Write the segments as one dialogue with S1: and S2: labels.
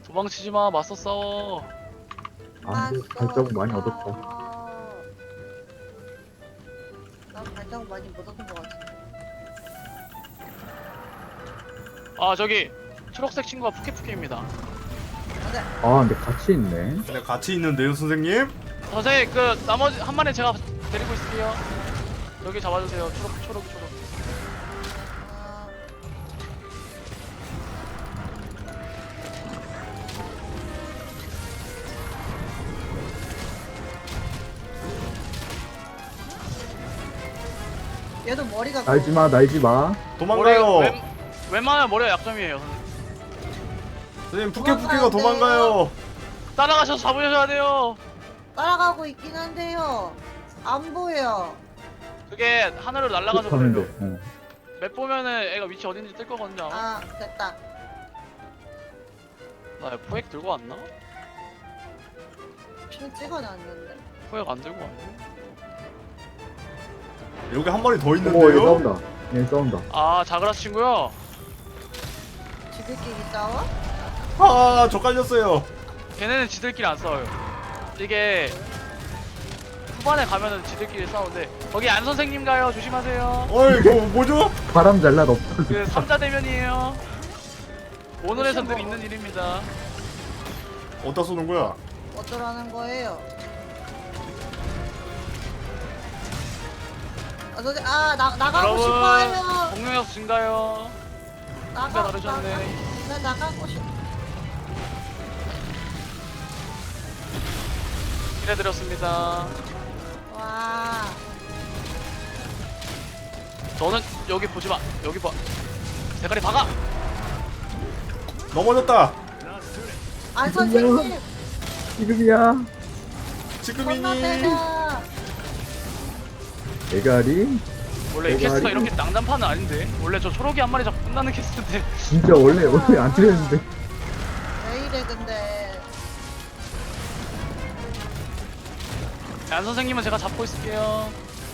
S1: 도망치지 마. 맞서 싸워.
S2: 아 근데 발자국 많이 얻었다.
S3: 난 발자국 많이 못 얻은 것 같은데.
S1: 아 저기 초록색 친구가 푸케푸케입니다.
S3: 안돼.
S2: 아 근데 같이 있네.
S4: 근데 같이 있는데요, 선생님?
S1: 선생님 그 나머지 한 마리 제가 데리고 있을게요. 여기 잡아주세요. 초록.
S3: 아, 얘도 머리가
S2: 날지 마, 날지 마.
S4: 도망가요.
S1: 웬만하면 머리가 약점이에요. 선생님.
S4: 선생님, 푸케푸케가 도망가요.
S1: 따라가셔서 잡으셔야 돼요.
S3: 따라가고 있긴 한데요. 안 보여.
S1: 그게 하늘로 날아가서
S2: 하는데.
S1: 그래요. 맵 보면은 애가 위치 어딘지 뜰 거거든요. 아마.
S3: 아 됐다.
S1: 나 포획 들고 왔나?
S3: 춤 찍어놨는데.
S1: 포획 안 들고 왔네.
S4: 여기 한 마리 더
S2: 오, 얘
S4: 있는데요?
S2: 싸운다. 얘 싸운다.
S1: 아 자그라스 친구요.
S3: 지들끼리 싸워?
S4: 아, 저 깔렸어요.
S1: 걔네는 지들끼리 안 싸워요. 이게 후반에 가면은 지들끼리 싸우는데 거기 안 선생님 가요. 조심하세요.
S4: 어이, 뭐죠?
S2: 바람 잘 날 없어.
S1: 그 3자 대면이에요. 오늘에선 늘 있는 일입니다.
S4: 어디다 쏘는 거야?
S3: 어쩌라는 거예요? 나가고
S1: 여러분
S3: 싶어요.
S1: 공룡역 증가요.
S3: 나가.
S1: 다르셨네.
S3: 나 나가고 싶.
S1: 기대드렸습니다.
S3: 와.
S1: 너는 여기 보지 마. 여기 봐. 대가리 박아.
S4: 넘어졌다.
S3: 안 선생님.
S2: 지금이야.
S4: 지금이니.
S3: 건너뛰자.
S2: 대가리.
S1: 원래 이
S2: 대가리.
S1: 캐스트가 이렇게 낭단판은 아닌데. 원래 저 초록이 한 마리 잡고 끝나는 캐스트인데.
S2: 진짜 원래 안 틀렸는데.
S3: 왜 이래 근데.
S1: 안 선생님은 제가 잡고 있을게요.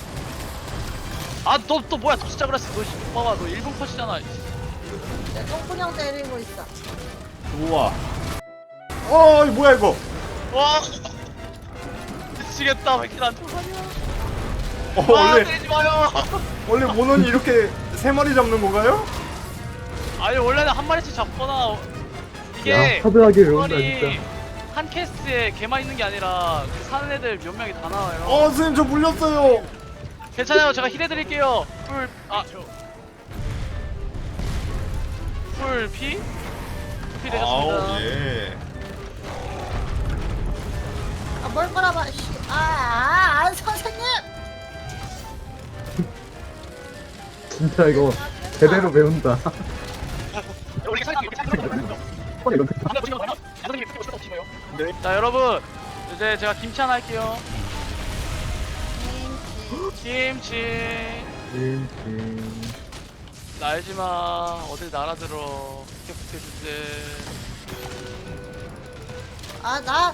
S1: 아 너 또 뭐야? 진짜 그랬어. 너 봐봐. 너 1분 컷이잖아.
S3: 내 똥꾸녕 때리고 있어.
S4: 우와. 어, 이 뭐야 이거?
S1: 와. 미치겠다. 왜 이렇게 난 초반이야? 아
S4: 원래
S1: 때리지 마요.
S4: 모논이 이렇게 세 마리 잡는 건가요?
S1: 아니 원래는 한 마리씩 잡거나
S2: 야,
S1: 이게
S2: 하드하게 외운다
S1: 그거리
S2: 진짜.
S1: 한 캐스트에 걔만 있는 게 아니라 그 사는 애들 몇 명이 다 나와요.
S4: 선생님 저 물렸어요.
S1: 괜찮아요. 제가 힐해드릴게요. 풀 피? 피 되셨습니다.
S4: 아우 예.
S3: 뭘 거라봐. 안 선생님.
S2: 진짜 이거 제대로 배운다.
S1: 우리 사이트
S4: 네.
S1: 자 여러분 이제 제가 김치 하나 할게요. 김치 날지마 어딜 날아들어. 푸케푸케 주제.
S3: 나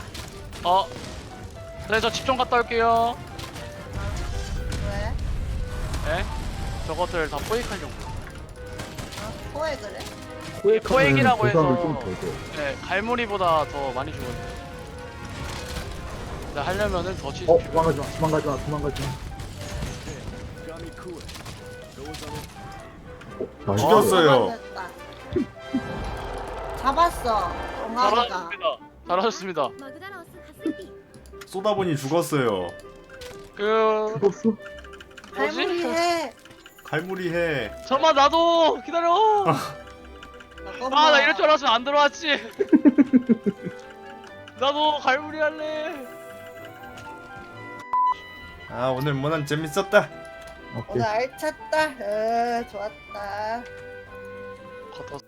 S1: 네, 저 집 좀 갔다 올게요.
S3: 왜?
S1: 네? 저것들 다 포획하려고.
S3: 코에 그래?
S1: 포획이라고 해서
S2: 좀더 줘.
S1: 네, 갈무리보다 더 많이 주거든요. 근데 하려면은 더 치즈
S2: 도망가지 마, 도망가지 마, 도망가지 마. 나이스.
S4: 죽였어요.
S3: 잡았어. 엉아리가.
S1: 잘하셨습니다. 잘하셨습니다.
S4: 쏘다보니 죽었어요.
S1: 그
S2: 죽었어?
S3: 갈무리해.
S4: 갈무리 해.
S1: 잠깐만 나도 기다려. 아 나 이럴 줄 알았으면 안 들어왔지. 나도 갈무리 할래.
S4: 아, 오늘 모난 재밌었다.
S2: 오케이.
S3: 오늘 알찼다. 좋았다.
S1: 겉어